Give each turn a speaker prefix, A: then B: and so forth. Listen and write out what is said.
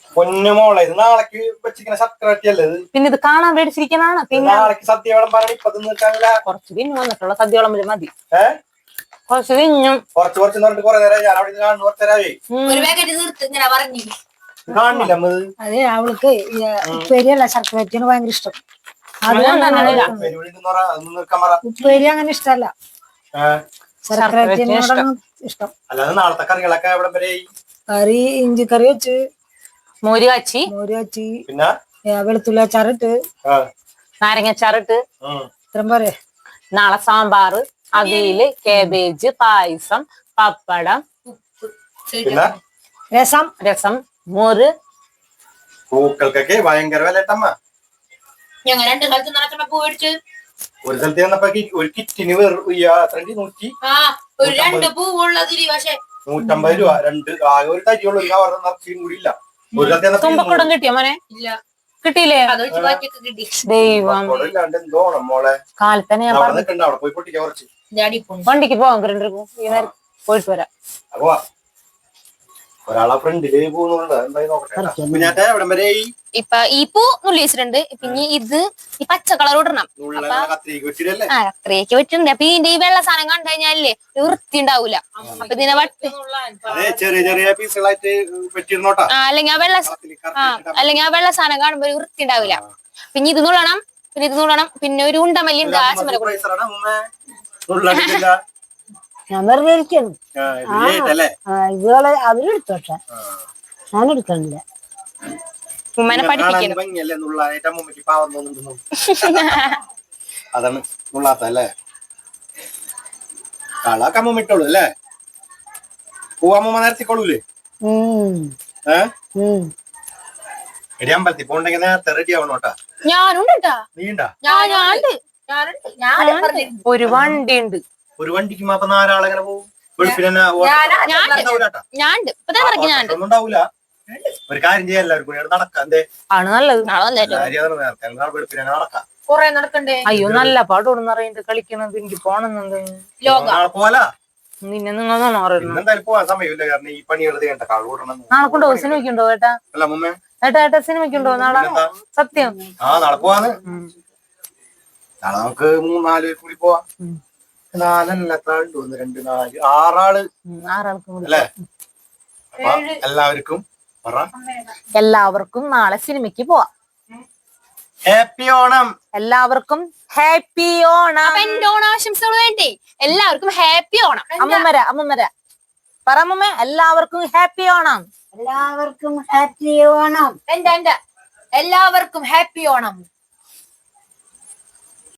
A: പൊന്നുമോളെ ഇത് നാളേക്ക് വെച്ചിരിക്കുന്ന ശർക്കരട്ടിയല്ലേ ഇത്?
B: പിന്നെ ഇത് കാണാൻ മേടിച്ചിരിക്കുന്നതാണ്. പിന്നെ
A: നാളേക്ക് സദ്യ വിളമ്പാനാണ് ഇപ്പൊ നിൽക്കാനില്ല.
B: കുറച്ച് പിന്നെ വന്നിട്ടുള്ള സദ്യ വിളമ്പില് മതി.
A: കുറച്ച് കുറച്ച് പറഞ്ഞിട്ട് കുറെ നേരം ഞാൻ അവിടെ കാണുന്നു. കുറച്ച് നേരമായി കാണില്ല.
C: അതെ, അവൾക്ക് ഉപ്പേരിയല്ല ശർക്കരറ്റിയാണ് ഭയങ്കര ഇഷ്ടം. ഉപ്പേരി അങ്ങനെ ഇഷ്ടല്ല, ശർക്കരറ്റിനോടാണ് ഇഷ്ടം.
A: അല്ലാതെ നാളത്തെ കറികളൊക്കെ എവിടെ വരെ?
C: കറി ഇഞ്ചിക്കറി വെച്ച്,
B: മോര് കാച്ചി,
A: പിന്നെ
C: വെളുത്തുള്ളി അച്ചാറിട്ട്,
B: നാരങ്ങ അച്ചാറിട്ട്,
C: ഇത്രയും പോരെ.
B: നാളെ സാമ്പാറ്, അവിയല്, കാബേജ്, പായസം, പപ്പടം, രസം, മോര്.
A: പൂക്കൾക്കൊക്കെ ഭയങ്കര വില കേട്ടമ്മ.
D: ഞങ്ങൾ 2 സ്ഥലത്ത് നടക്കുന്ന പൂ മേടിച്ച്
A: ഒരു സ്ഥലത്ത് ചെന്നപ്പോ ഒരു കിറ്റിന് വെറും
D: 2 പൂവുള്ളതില് പക്ഷെ
A: 150 രൂപ. 2 ആകെ ഒരു തരിയുള്ളൂ. നിറച്ചും കൂടി ഇല്ല. ഒരു സ്ഥലത്ത്
B: തുമ്പക്കുടം കിട്ടിയോ മോനെ?
D: ഇല്ല,
B: കിട്ടിയില്ലേ?
D: കിട്ടി.
B: ദൈവം,
A: എന്തോണം മോളെ.
B: കാലത്തന്നെ ഞാൻ
A: അവിടെ നിൽക്കണ്ട, അവിടെ പോയി പൊട്ടിക്കാൻ കുറച്ച്.
B: വണ്ടിക്ക് പോവാം, പോയിട്ട് വരാം.
A: അപ്പൊ ഒരാളെ ഫ്രണ്ടില് പോകുന്നുണ്ട്. എന്തായി നോക്കട്ടെ. കുഞ്ഞാറ്റ എവിടം വരെ?
D: ഇപ്പൊ ഈ പൂ നുള്ളി വെച്ചിട്ടുണ്ട്. പിന്നെ ഇത് ഈ പച്ച കളർ ഇടണം.
A: കത്രിക്ക് വെച്ചിട്ടല്ലേ?
D: കത്രിയൊക്കെ വെച്ചിട്ടുണ്ട്. അപ്പൊ ഇതിന്റെ ഈ വെള്ള സാധനം കണ്ടു കഴിഞ്ഞാലേ വൃത്തി ഉണ്ടാവൂല. അപ്പൊ ഇതിനെ വട്ട്
A: ചെറിയ ചെറിയ പീസുകളായിട്ട് വെച്ചിരുന്നോട്ടാ.
D: അല്ലെങ്കിൽ ആ വെള്ള സാധനം കാണുമ്പോ ഒരു വൃത്തി ഉണ്ടാവില്ല. പിന്നെ ഇത് നുള്ളണം, പിന്നെ ഒരു ഉണ്ടമല്ലി ഉണ്ട്.
C: ഞാൻ വെറുതെ ഇരിക്കുന്നു. ഇതുപോലെ അവരെടുത്തോട്ടെ, ഞാൻ എടുക്കണില്ല.
D: ഉമ്മനെ പഠിപ്പിക്കണം.
A: അതാണ് നുള്ളാത്തല്ലേ? കളാക്ക് അമ്മ ഇട്ടോളൂ അല്ലേ? പൂവമ്മ നേരത്തിക്കോളൂലേ? എടി അമ്പലത്തിൽ പോണ്ടെങ്കിൽ നേരത്തെ റെഡി ആവണോട്ടാ.
D: ഞാനുണ്ട്.
A: നീണ്ടാ?
B: ഒരു വണ്ടി ഉണ്ട്.
A: ഒരു വണ്ടിക്ക് അപ്പൊ 4 ആളെങ്ങനെ പോകും? ഉണ്ടാവൂല. ഒരു കാര്യം ചെയ്യാൻ എല്ലാവർക്കും കൂടി നടക്കാം. എന്തേ
B: ആണ് നല്ലത്.
A: നടക്കാം.
D: കൊറേ നടക്കണ്ടേ?
B: അയ്യോ, നല്ല പാടോടുന്ന് അറിയണ്ട് കളിക്കണത്. എനിക്ക് പോണെന്നുണ്ട്.
A: പോലാ
B: നിന്നെ നിങ്ങൾ
A: എന്തായാലും പോവാൻ സമയമില്ല. കാരണം ഈ പണികൾ ചെയ്യണ്ട. കാളൂടണം.
B: നാളെ കൊണ്ടോ? സിനിമയ്ക്കുണ്ടോ ഏട്ടാ?
A: അല്ല മുമ്മേ,
B: ഏട്ടാ സിനിമയ്ക്കുണ്ടോ നാളെ? സത്യം?
A: നാളെ പോവാന്ന്. നാളെ നമുക്ക് 3-4 പേർ കൂടി പോവാം. 4 2 4 6 ആള് അല്ലേ?
B: എല്ലാവർക്കും നാളെ സിനിമയ്ക്ക് പോവാം.
A: ഹാപ്പി ഓണം.
B: എല്ലാവർക്കും ഹാപ്പി ഓണം.
D: എന്റെ ഓണാശംസകൾ വേണ്ടേ? എല്ലാവർക്കും ഹാപ്പി ഓണം.
B: അമ്മമ്മര പറ അമ്മമ്മ. എല്ലാവർക്കും ഹാപ്പി ഓണം.
C: എല്ലാവർക്കും ഹാപ്പി ഓണം.
D: എന്റെ എല്ലാവർക്കും ഹാപ്പി ഓണം.